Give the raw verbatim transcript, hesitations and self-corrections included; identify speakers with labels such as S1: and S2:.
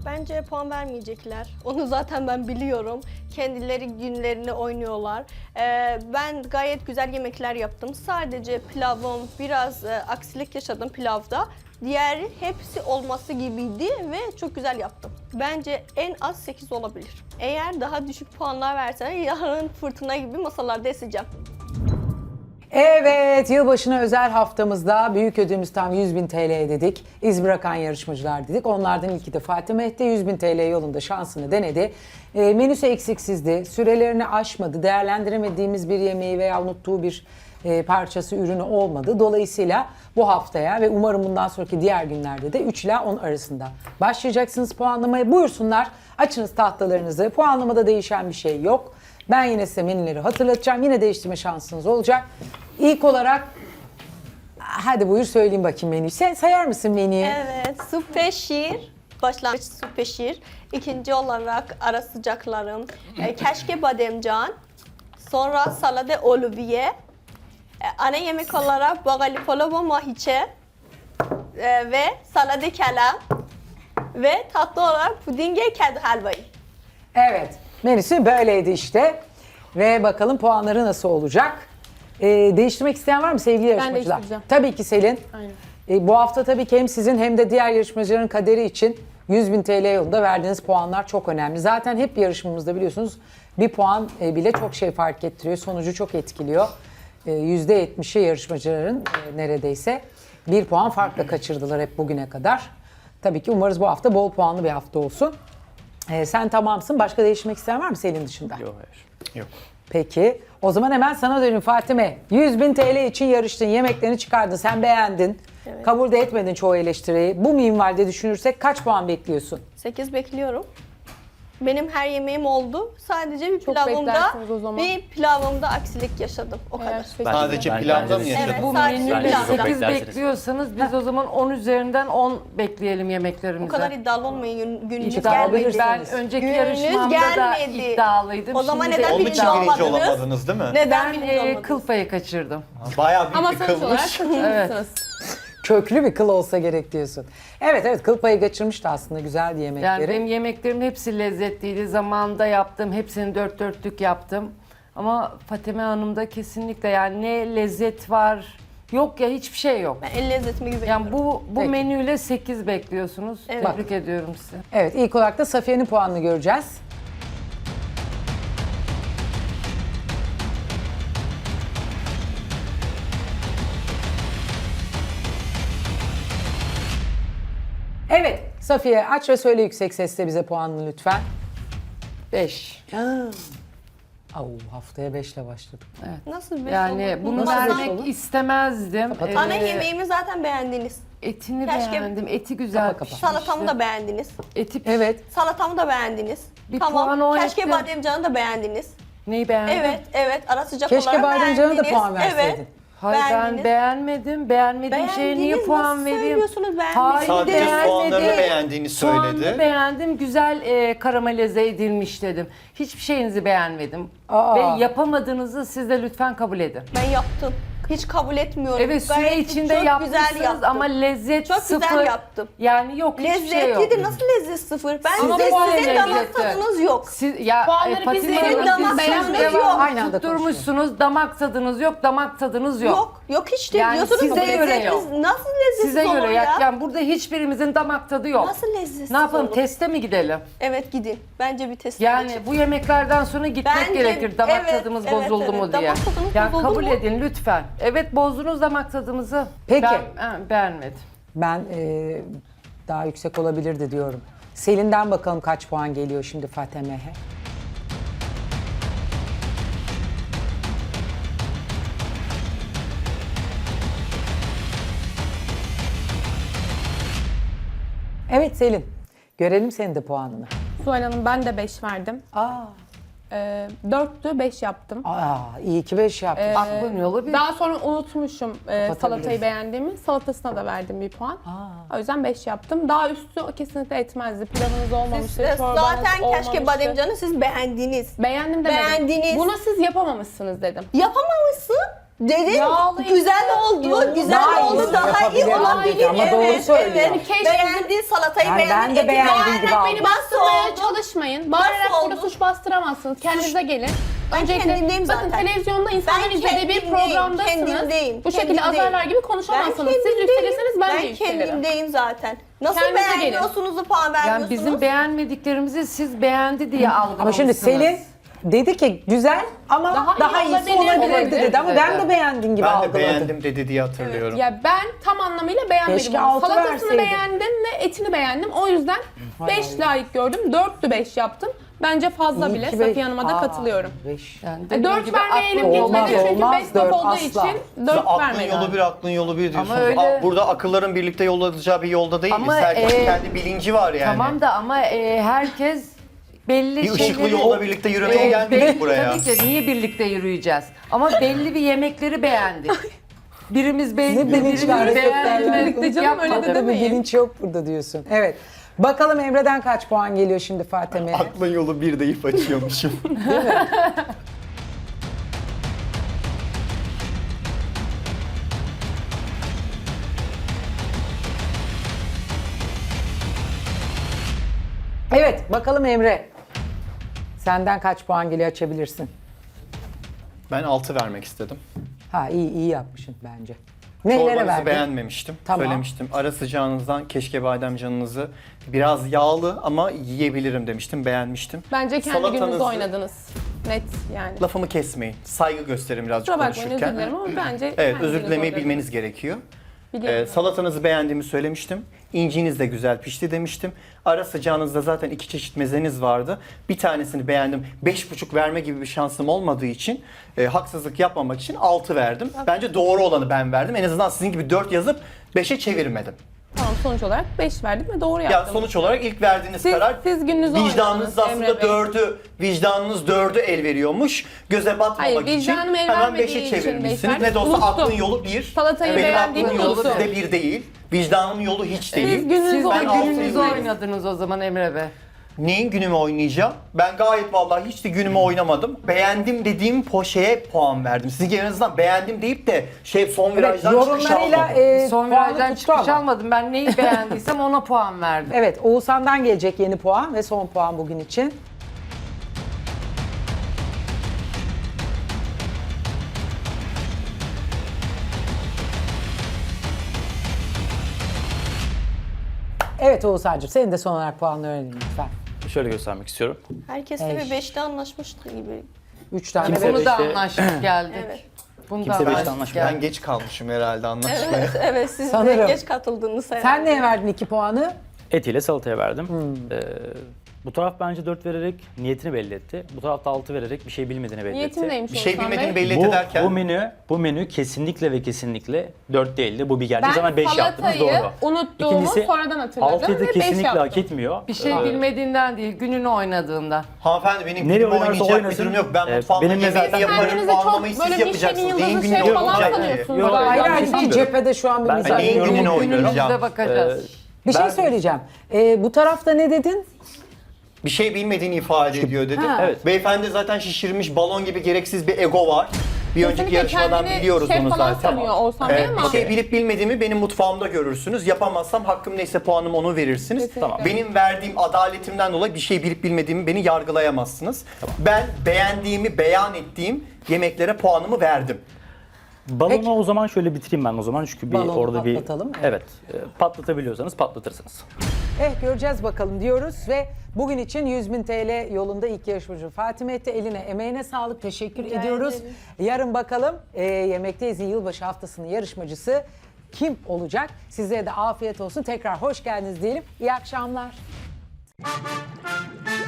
S1: Bence puan vermeyecekler. Onu zaten ben biliyorum. Kendileri günlerini oynuyorlar. Ee, ben gayet güzel yemekler yaptım. Sadece pilavım biraz e, aksilik yaşadım pilavda. Diğeri hepsi olması gibiydi ve çok güzel yaptım. Bence en az sekiz olabilir. Eğer daha düşük puanlar verseler yarın fırtına gibi masalarda eseceğim.
S2: Evet, yılbaşına özel haftamızda büyük ödülümüz tam yüz bin T L dedik. İz bırakan yarışmacılar dedik. Onlardan ilki de Fatih Mehdi yüz bin T L yolunda şansını denedi. E, menüsü eksiksizdi, sürelerini aşmadı, değerlendiremediğimiz bir yemeği veya unuttuğu bir e, parçası, ürünü olmadı. Dolayısıyla bu haftaya ve umarım bundan sonraki diğer günlerde de üç ila on arasında başlayacaksınız puanlamaya. Buyursunlar, açınız tahtalarınızı. Puanlamada değişen bir şey yok. Ben yine size menüleri hatırlatacağım. Yine değiştirme şansınız olacak. İlk olarak hadi buyur söyleyeyim bakayım menüyü. Sen sayar mısın menüyü?
S1: Evet, su peşir. Başlangıç su peşir. İkinci olarak ara sıcaklarım. E, keşke bademcan. Sonra salade oliviye. E, ana yemek olarak bagali polova mahiçe. E, ve salade kelam. Ve tatlı olarak pudinge kedi helvayı.
S2: Evet. Menüsü böyleydi işte. Ve bakalım puanları nasıl olacak? Ee, değiştirmek isteyen var mı sevgili yarışmacılar?
S3: değiştireceğim.
S2: Tabii ki Selin.
S3: Aynen.
S2: Ee, bu hafta tabii ki hem sizin hem de diğer yarışmacıların kaderi için yüz bin T L yolunda verdiğiniz puanlar çok önemli. Zaten hep yarışmamızda biliyorsunuz bir puan e, bile çok şey fark ettiriyor. Sonucu çok etkiliyor. E, yüzde yetmişi yarışmacıların e, neredeyse bir puan farkla kaçırdılar hep bugüne kadar. Tabii ki umarız bu hafta bol puanlı bir hafta olsun. E, sen tamamsın. Başka değiştirmek isteyen var mı Selin dışında?
S4: Yok hayır. Yok.
S2: Peki. O zaman hemen sana dönün Fatime. yüz bin T L için yarıştın, yemeklerini çıkardın, sen beğendin.
S1: Evet.
S2: Kabul de etmedin çoğu eleştiriyi. Bu minvalde düşünürsek kaç puan bekliyorsun?
S1: sekiz bekliyorum. Benim her yemeğim oldu. Sadece bir
S3: Çok
S1: pilavımda
S3: beklersiniz o zaman.
S1: bir pilavımda aksilik yaşadım. O
S3: Eğer
S1: kadar.
S3: sekiz-
S4: Sadece
S5: Ben-
S4: pilavda
S5: bence
S4: mı
S5: de-
S4: yaşadın?
S1: Evet,
S6: Bu
S1: sadece
S6: menüyle
S5: Bence çok
S6: sekiz
S5: beklersiniz.
S6: bekliyorsanız biz o zaman on üzerinden on bekleyelim yemeklerimize.
S1: O kadar iddialı olmayın. Gün, gününüz
S2: İddialı
S1: gelmedi.
S2: bilirsiniz.
S6: Ben önceki
S1: Gününüz
S6: yarışmamda da
S1: gelmedi.
S6: iddialıydım.
S1: O zaman
S6: Şimdi
S1: neden
S6: de
S4: Onun
S1: birinci
S4: için birinci
S1: olmadınız?
S4: olamadınız değil mi?
S1: Neden
S6: Ben
S1: birinci
S6: e,
S1: olmadınız?
S6: kıl payı kaçırdım.
S4: Bayağı büyük
S3: Ama
S4: bir
S3: sonuç olarak
S4: kılmış.
S3: kaçırmışsınız.
S2: Köklü bir kıl olsa gerek diyorsun. Evet evet, kıl payı kaçırmıştı aslında, güzeldi yemekleri.
S6: Yani benim yemeklerimin hepsi lezzetliydi. Zamanında yaptım. Hepsini dört dörtlük yaptım. Ama Fatime Hanım'da kesinlikle yani ne lezzet var. Yok ya, hiçbir şey yok.
S1: Ben el lezzetime güveniyorum.
S6: Yani bu bu
S2: Peki.
S6: menüyle sekiz bekliyorsunuz.
S1: Evet.
S6: Tebrik ediyorum sizi.
S2: Evet, ilk olarak da Safiye'nin puanını göreceğiz. Evet, Safiye aç ve söyle yüksek sesle bize puanını lütfen.
S6: beş.
S2: Au, haftaya beşle başladık.
S1: Nasıl bir
S6: Yani
S1: olur?
S6: bunu
S1: Nasıl
S6: vermek
S2: olur?
S6: istemezdim.
S2: Kapat.
S1: Ana
S6: Ee,
S1: yemeğimi zaten beğendiniz.
S6: Etini
S1: Keşke-
S6: beğendim. Eti güzel
S2: Kapa, kapa.
S6: pişmişti.
S1: Salatamı da beğendiniz.
S6: Eti piş-
S2: Evet,
S1: Salatamı da beğendiniz.
S6: Bir puan
S1: tamam.
S6: o
S1: Keşke
S6: etti.
S1: bademcanı da beğendiniz.
S6: Neyi beğendin?
S1: Evet, evet. Ara sıcak
S2: keşke
S1: olarak
S2: bademcana da
S1: beğendiniz.
S2: puan verseydin.
S1: Evet.
S6: Hayır, ben
S1: Beğendiniz.
S6: beğenmedim. Beğenmediğim şeye niye
S1: Beğendiniz,
S6: puan
S1: nasıl
S6: vereyim?
S1: söylüyorsunuz beğenmediniz?
S6: Hayır,
S4: Sadece
S6: beğenmedim.
S4: soğanlarını beğendiğini
S6: Soğanını
S4: söyledi.
S6: beğendim. Güzel e, karamelize edilmiş dedim. Hiçbir şeyinizi beğenmedim.
S2: Aa.
S6: Ve yapamadığınızı siz de lütfen kabul edin.
S1: Ben yaptım. Hiç kabul etmiyorum.
S6: Evet, süre
S1: Gayet
S6: içinde
S1: çok
S6: yapmışsınız
S1: güzel yaptım.
S6: ama lezzet
S1: Çok
S6: sıfır.
S1: güzel yaptım.
S6: Yani yok, hiçbir şey yok.
S1: Lezzetliydi. Nasıl lezzet sıfır? Ben
S6: Ama
S1: size,
S6: puan
S1: sizin damak
S6: lezzeti.
S1: tadınız yok.
S6: Siz, ya,
S3: Puanları
S6: e, Fatime
S3: biz
S6: Hanım,
S1: verin, damak
S6: siz
S1: tadınız
S6: devam
S1: yok.
S2: Aynı anda
S6: tutturmuşsunuz. Damak tadınız yok, damak tadınız yok.
S1: Yok. Yok hiç değil.
S6: Yani
S1: Diyorsunuz
S6: size
S1: bu
S6: göre
S1: lezzetli-
S6: yok.
S1: Nasıl lezzetsiz
S6: Size
S1: olur
S6: göre
S1: ya?
S6: ya. Yani burada hiçbirimizin damak tadı yok.
S1: Nasıl lezzetsiz
S6: Ne yapalım,
S1: olur?
S6: teste mi gidelim?
S1: Evet gidin. Bence bir test
S6: Yani
S1: geçin.
S6: bu yemeklerden sonra gitmek
S1: Bence-
S6: gerekir. Damak
S1: evet,
S6: tadımız
S1: evet,
S6: bozuldu
S1: evet.
S6: mu diye.
S1: Damak tadımız
S6: Yani
S1: bozuldu
S6: kabul
S1: mu?
S6: edin lütfen. Evet, bozdunuz damak tadımızı.
S2: Peki.
S6: Ben ha, beğenmedim.
S2: Ben e, daha yüksek olabilirdi diyorum. Selin'den bakalım kaç puan geliyor şimdi Fatime'ye. Evet Selin, görelim senin de puanını.
S3: Zuhal Hanım, ben de beş verdim.
S2: Aa,
S3: Ee, dörttü, beş yaptım.
S2: aa iyi ki beş yaptın.
S3: Ee,
S6: Aklın yolu bir.
S3: Daha sonra unutmuşum e,
S2: Kapatabiliriz.
S3: salatayı beğendiğimi. Salatasına da verdim bir puan. O yüzden beş yaptım. Daha üstü kesinlikle etmezdi. Pilavınız olmamıştı,
S1: Siz,
S3: çorbanız
S1: zaten keşke
S3: olmamıştı.
S1: bademcanı siz beğendiniz.
S3: Beğendim demedim.
S1: Beğendiniz.
S3: Bunu siz yapamamışsınız dedim.
S1: Yapamamışsın. Dedim
S3: Yağlı
S1: güzel oldu,
S3: Yağlı.
S1: güzel
S2: Daha
S1: oldu,
S2: iyisini
S1: daha iyi
S2: yapabilirdim
S1: olabilir.
S2: dedi ama doğru
S1: Evet,
S2: söylüyor.
S1: evet.
S3: Keşke-
S1: Beğendin salatayı,
S2: Yani ben
S1: beğendin.
S2: de
S1: eti
S2: beğendiğim
S1: beğendin.
S2: gibi aldım.
S3: Beni
S1: Nasıl
S3: bastırmaya
S1: oldu?
S3: çalışmayın. Bağırarak
S1: Nasıl
S3: burada
S1: oldu?
S3: suç bastıramazsınız. Kendinize gelin.
S1: Ben
S3: Öncelikle
S1: kendimdeyim
S3: bakın
S1: zaten.
S3: televizyonda insanların
S1: Ben
S3: izlediği bir
S1: kendimdeyim,
S3: programdasınız.
S1: kendimdeyim,
S3: Bu şekilde
S1: kendimdeyim.
S3: azarlar gibi
S1: Ben
S3: konuşamazsınız. Siz
S1: kendimdeyim.
S3: yükselirseniz ben, de
S1: Ben
S3: yükselirim.
S1: kendimdeyim zaten. Nasıl
S3: Kendinize gelin.
S1: beğenmiyorsunuz da puan
S6: Yani
S1: vermiyorsunuz?
S6: bizim beğenmediklerimizi siz beğendi diye algılamışsınız.
S2: Ama şimdi Selin dedi ki güzel ama daha,
S3: Daha iyi
S2: iyisi
S3: olabilir,
S2: olabilirdi
S3: olabilir
S2: dedi ama ben de
S6: dedi.
S2: beğendiğin gibi
S4: Ben de
S2: algıladım.
S4: beğendim dedi diye hatırlıyorum.
S3: Ya ben tam anlamıyla beğenmedim.
S2: Keşke
S3: onu.
S2: altı
S3: Salatasını
S2: verseydin.
S3: beğendim ve etini beğendim. O yüzden beş layık gördüm. dörttü beş yaptım. Bence fazla
S2: İyi
S3: bile.
S2: ki be-
S3: Safiye Hanım'a da
S2: Aa,
S3: katılıyorum.
S2: beş.
S6: Yani
S3: E,
S6: dediğim
S3: dört
S6: gibi
S3: vermeye elim
S6: aklım
S2: Olmaz,
S3: gitmedi çünkü
S2: olmaz,
S3: best
S2: dört
S3: of olduğu
S2: asla.
S3: için
S4: Siz
S3: dört
S4: aklın
S3: vermedi.
S4: yolu bir, aklın yolu bir diyorsunuz.
S6: öyle-
S4: Aa, burada akılların birlikte yol alacağı bir yolda değiliz.
S6: Ama,
S4: Herkesin
S6: e,
S4: kendi bilinci var yani.
S6: Tamam da ama e, herkes belli
S4: Bir ışıklı
S6: şeyleri...
S4: yolda birlikte yürümeye
S6: E,
S4: gelmedik
S6: belli-
S4: buraya.
S6: Tabii ki niye birlikte yürüyeceğiz? Ama belli bir yemekleri beğendik. Birimiz beğendi,
S2: Ne bilinçli
S6: birimiz
S2: hareketler var.
S6: beğenmedi.
S3: Birlikte canım, öyle de
S6: Yapmadık.
S2: Tabii bir
S3: demeyin.
S2: bilinç yok burada diyorsun. Evet. Bakalım Emre'den kaç puan geliyor şimdi Fatime'ye?
S4: Aklın yolu bir deyip açıyormuşum.
S2: Evet bakalım Emre. Senden kaç puan geliyor açabilirsin.
S4: Ben altı vermek istedim.
S2: Ha iyi iyi yapmışsın bence. Neylere
S4: Çorbanızı
S2: verdin?
S4: beğenmemiştim.
S2: Tamam.
S4: Söylemiştim. Ara sıcağınızdan keşke bademcanınızı biraz yağlı ama yiyebilirim demiştim. Beğenmiştim.
S3: Bence kendi
S4: Salatanızı-
S3: gününüzde oynadınız. Net yani.
S4: Lafımı kesmeyin. Saygı gösterin birazcık
S3: Kusura bakmayın, özür
S4: konuşurken.
S3: dilerim ama bence
S4: Evet,
S3: kendi
S4: özür
S3: gününüzde
S4: dilemeyi
S3: oynadınız.
S4: bilmeniz gerekiyor.
S3: Biliyorum.
S4: Ee, salatanızı beğendiğimi söylemiştim. İnciniz de güzel pişti demiştim. Ara sıcağınızda zaten iki çeşit mezeniz vardı. Bir tanesini beğendim. Beş buçuk verme gibi bir şansım olmadığı için e, haksızlık yapmamak için altı verdim. Bence doğru olanı ben verdim. En azından sizin gibi dört yazıp beşe çevirmedim.
S3: Tamam, sonuç olarak beş verdim ve doğru
S4: Ya
S3: yaptım.
S4: sonuç olarak ilk verdiğiniz
S3: Siz-
S4: karar
S3: siz gününüzü
S4: vicdanınız
S3: oynadınız
S4: aslında
S3: Emre Bey.
S4: dördü, vicdanınız dördü el veriyormuş. Göze batmamak
S3: Hayır,
S4: için
S3: vicdanım el
S4: hemen
S3: vermediği
S4: beşe
S3: için
S4: çevirmişsiniz.
S3: beş
S4: Ne de olsa
S3: verdim.
S4: aklın
S3: Unuttum.
S4: yolu bir.
S3: Salatayı
S4: Benim
S3: beğendiğimi
S4: aklın yolu
S3: unuttum.
S4: sizde bir değil. Vicdanın yolu hiç değil.
S3: gününüzü
S6: Siz de
S4: Ben altı
S6: gününüzü
S4: veriyorum.
S6: oynadınız o zaman Emre Bey.
S4: Neyin günümü oynayacağım? Ben gayet vallahi hiç de günümü oynamadım. Beğendim dediğim poşeye puan verdim. Sizin en azından beğendim deyip de şey son
S2: Evet,
S4: virajdan çıkış
S2: yorumlarıyla
S4: almadım.
S2: e,
S6: Son
S2: puanı
S6: virajdan
S2: tuttu
S6: çıkış
S2: ama.
S6: almadım. Ben neyi beğendiysem ona puan verdim.
S2: Evet Oğuzhan'dan gelecek yeni puan ve son puan bugün için. Evet Oğuzhan'cığım senin de son olarak puanını öğrenelim lütfen.
S5: Şöyle göstermek istiyorum.
S1: Herkes de bir beşte anlaşmıştı gibi.
S2: Üç tane
S5: Kimse
S2: ve
S6: Bunu da
S5: beşte-
S6: anlaştık geldik.
S1: Evet.
S6: Bunu da
S5: Kimse beşte
S6: anlaştık
S5: anlaşmıyor.
S4: Ben
S6: geldik.
S4: geç kalmışım herhalde anlaşmaya.
S1: Evet, evet siz
S2: Sanırım.
S1: de geç katıldınız herhalde.
S2: Sen neye verdin iki puanı?
S5: Etiyle salataya verdim.
S2: Hmm.
S5: Ee, bu taraf bence dört vererek niyetini belli etti. Bu taraf da altı vererek bir şey bilmediğini belli
S3: Niyetim
S5: etti.
S3: neymiş
S4: Bir şey
S3: Oğuzhan
S4: bilmediğini
S3: Bey?
S4: belli
S5: Bu,
S4: ederken
S5: bu menü bu menü kesinlikle ve kesinlikle dört değildi. Bu bir gerçek.
S3: Ben
S5: Zaman beş yaptınız
S3: salatayı
S5: doğru.
S3: unuttuğumu
S5: İkincisi,
S3: sonradan hatırladım
S5: altıyı da
S3: ve beş
S5: kesinlikle
S3: yaptım.
S5: hak etmiyor.
S6: Bir şey
S5: Ee,
S6: bilmediğinden değil, gününü oynadığından.
S4: hanımefendi benim
S5: Nereye
S4: günümü
S5: oynarsa
S4: oynayacak bir
S5: oynasın.
S4: durum yok. Ben
S5: Ee,
S4: mutfağımda
S5: benimle
S4: yemeğimi
S5: zaten-
S4: yaparım,
S3: Kendinize çok
S4: puanlamayı siz
S3: böyle Michelin
S4: yapacaksınız. Neyin
S3: yıldızı
S4: günü
S3: şey falan
S4: olacak ki?
S3: sanıyorsunuz.
S5: Yok,
S3: galiba.
S2: Hayır
S5: ben
S2: hayır
S5: bir şey
S2: iki
S5: bilmiyorum.
S2: cephede şu an bir
S5: Ben-
S2: müzakere.
S4: Neyin gününü
S6: Günümüzde
S4: oynayacağım?
S6: bakacağız.
S2: Bir şey
S5: Ben-
S2: söyleyeceğim. Ee, bu tarafta ne dedin?
S4: Bir şey bilmediğini ifade ediyor dedim.
S2: Ha.
S5: Evet.
S4: Beyefendi zaten şişirmiş balon gibi gereksiz bir ego var. Bir önceki
S3: Kesinlikle
S4: yarışmadan
S3: kendini
S4: biliyoruz
S3: şef
S4: onu
S3: falan
S4: zaten.
S3: sanıyor Oğuzhan Bey
S4: Evet,
S3: ama.
S4: bir şey bilip bilmediğimi benim mutfağımda görürsünüz. Yapamazsam hakkım neyse puanım onu verirsiniz.
S3: Kesinlikle.
S5: Tamam.
S4: Benim verdiğim adaletimden dolayı bir şey bilip bilmediğimi beni yargılayamazsınız. Ben beğendiğimi beyan ettiğim yemeklere puanımı verdim.
S5: Balonu
S2: Peki.
S5: o zaman şöyle bitireyim ben o zaman çünkü bir
S2: Balonu
S5: orada bir
S2: patlatalım, evet.
S5: evet, e, patlatabiliyorsanız patlatırsınız.
S2: Eh göreceğiz bakalım diyoruz ve bugün için yüz bin T L yolunda ilk yarışmacı Fatime etti. Eline emeğine sağlık teşekkür
S1: Rica
S2: ediyoruz.
S1: ederim.
S2: Yarın bakalım e, Yemekteyiz'in yılbaşı haftasının yarışmacısı kim olacak? Sizlere de afiyet olsun. Tekrar hoş geldiniz diyelim. İyi akşamlar.